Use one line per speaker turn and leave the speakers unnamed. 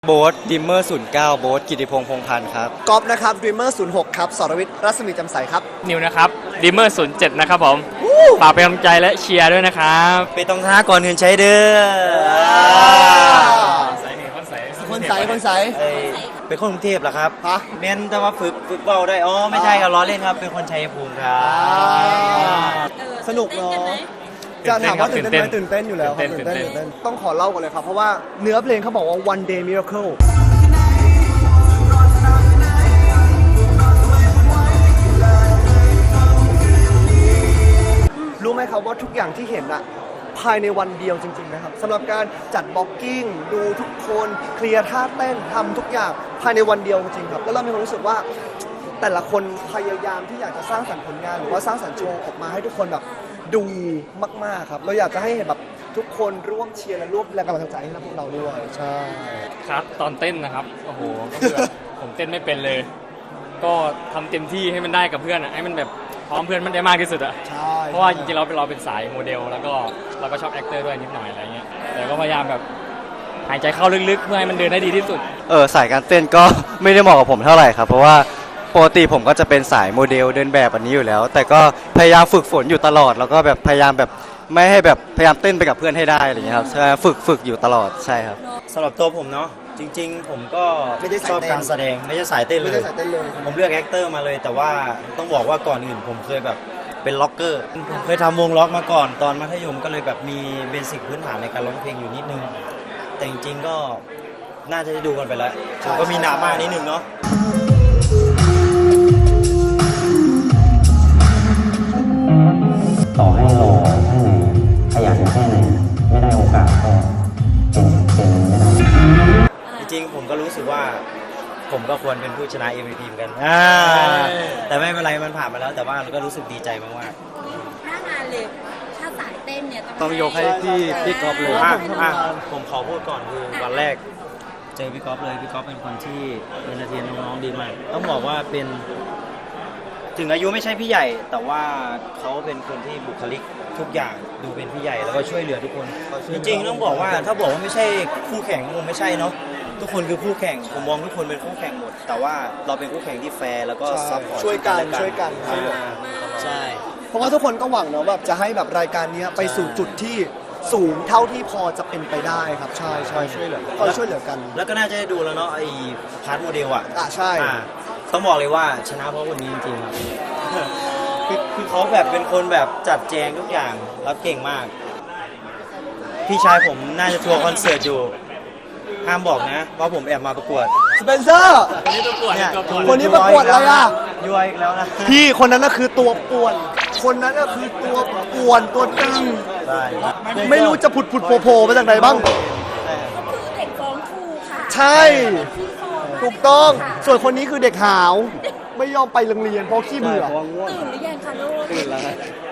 โบ๊ทดิมเมอร์09โบ๊ทกิติพงษ์พงษ์พันธ์ครับ
ก๊อฟนะครับดรีมเมอร์06ครับสรวิทย์รัศมีจำใสครับ
นิวนะครับดิมเมอร์07นะครับผมฝากเป็นกำลังใจและเชียร์ด้วยนะครับ
ไปตรงท่าก่อนเงินใช้เด้อ
คนใส
เป็นคนกรุงเทพเหรอครับ
ฮะ
เม้นแต่ว่าฝึกเบาได้อ๋อไม่ใช่ครับล้อเล่นครับเป็นคนชัยภูมิครับ
สนุกเนาะจะถามว่าตื่นเต้นไหมตื่นเต้นอยู่แล้วครับตื่นเต้นต้องขอเล่าก่อนเลยครับเพราะว่าเนื้อเพลงเขาบอกว่า one day miracle รู้ไหมครับว่าทุกอย่างที่เห็นอะภายในวันเดียวจริงๆนะครับสำหรับการจัดบล็อกกิ้งดูทุกคนเคลียร์ท่าเต้นทำทุกอย่างภายในวันเดียวจริงๆครับแล้วเรามีความรู้สึกว่าแต่ละคนพยายามที่อยากจะสร้างสรรค์ผลงานหรือว่าสร้างสรรค์โชว์ออกมาให้ทุกคนแบบดูมากๆครับเราอยากจะให้เห็นแบบทุกคนร่วมเชียร์และร่วมแรงกำลังใจให้พวกเราด้วยใช่
ครับตอนเต้นนะครับโอ้โหก็คือผมเต้นไม่เป็นเลย ก็ทำเต็มที่ให้มันได้กับเพื่อนอะให้มันแบบพร้อมเพื่อนมันได้มากที่สุดอะ
ใช่
เพราะว่าจริงๆเราเป็นสายโมเดลแล้วก็เราก็ชอบแอคเตอร์ด้วยนิดหน่อยอะไรเงี้ยแต่ก็พยายามแบบหายใจเข้าลึกๆเพื่อให้มันเดินได้ดีที่สุด
สายการเต้นก็ไม่ได้เหมาะกับผมเท่าไหร่ครับเพราะว่าปกติผมก็จะเป็นสายโมเดลเดินแบบอันนี้อยู่แล้วแต่ก็พยายามฝึกฝนอยู่ตลอดแล้วก็แบบพยายามแบบไม่ให้แบบพยายามเต้นไปกับเพื่อนให้ได้อะไรอย่างเงี้ยครับใช่ฝึกอยู่ตลอดใช่ครับสำหรับตัวผมเนาะจริงๆผมก็ชอบการแสดงไม่ใช่สายเต้นเลยผมเลือกแอคเตอร์มาเลยแต่ว่าต้องบอกว่าก่อนอื่นผมเคยแบบเป็นล็อกเกอร์ผมเคยทำวงล็อกมาก่อนตอนมัธยมก็เลยแบบมีเบสิกพื้นฐานในการร้องเพลงอยู่นิดนึงแต่จริงๆก็น่าจะได้ดูกันไปแล้วผมก็มีหนามากนิดนึงเนาะ
ต่อให้รอแค่ไหนขยันแค่ไหนไม่ได้โอกาสก็เป็นไม่ได้
จริงๆผมก็รู้สึกว่าผมก็ควรเป็นผู้ชนะ MVP เหมือนกันแต่ไม่เป็นไรมันผ่านมาแล้วแต่ว่าเราก็รู้สึกดีใจมากๆ
หน้างานเลยถ้าสายเต้นเนี่ย
ต้องยกให้พี่ก๊อฟเลยผมขอพูดก่อนคือวันแรกเจอพี่ก๊อฟเลยพี่ก๊อฟเป็นคนที่เอนเตอร์เทนน้องๆดีมากต้องบอกว่าเป็นถึงอายุไม่ใช่พี่ใหญ่แต่ว่าเขาเป็นคนที่บุคลิกทุกอย่างดูเป็นพี่ใหญ่แล้วก็ช่วยเหลือทุกคนจริงๆต้องบอกว่าถ้าบอกว่าไม่ใช่คู่แข่งคงไม่ใช่เนาะทุกคนคือคู่แข่งผมมองทุกคนเป็นคู่แข่งหมดแต่ว่าเราเป็นคู่แข่งที่แฟร์แล้วก็ซัพพอร์ต
ช่วยกัน
ใช่
เพราะว่าทุกคนก็หวังเนาะแบบจะให้แบบรายการนี้ไปสู่จุดที่สูงเท่าที่พอจะเป็นไปได้ครับใช่ช่วยเหลือกัน
แล้วก็น่าจะได้ดูแล้วเนาะไอ้พาร์ทโมเดล
ใช่
ต้องบอกเลยว่าชนะเพราะคนนี้จริงๆครับคือเขาแบบเป็นคนแบบจัดแจงทุกอย่างแล้วเก่งมากพี่ชายผมน่าจะทัวร์คอนเสิร์ตอยู่ห้ามบอกนะเพราะผมแอบมาประกวด
สเปนเซอร์คนนี้ประกวดอะไรอ่ะ
ย้วยอีกแล้วนะ
พี่คนนั้นน่ะคือตัวป่วนคนนั้นน่ะคือตัวป่วนตัวตึงไม่รู้จะผุดโผล่มาจากไหนบ้าง
เด็กฟ้องครูค่ะ
ใช่ถูกต้องส่วนคนนี้คือเด็กหาวไม่ยอมไปโรงเรียนเพราะขี้เบื่อ
ตื่นหรือยังคะลูก
ตื่นแล้ว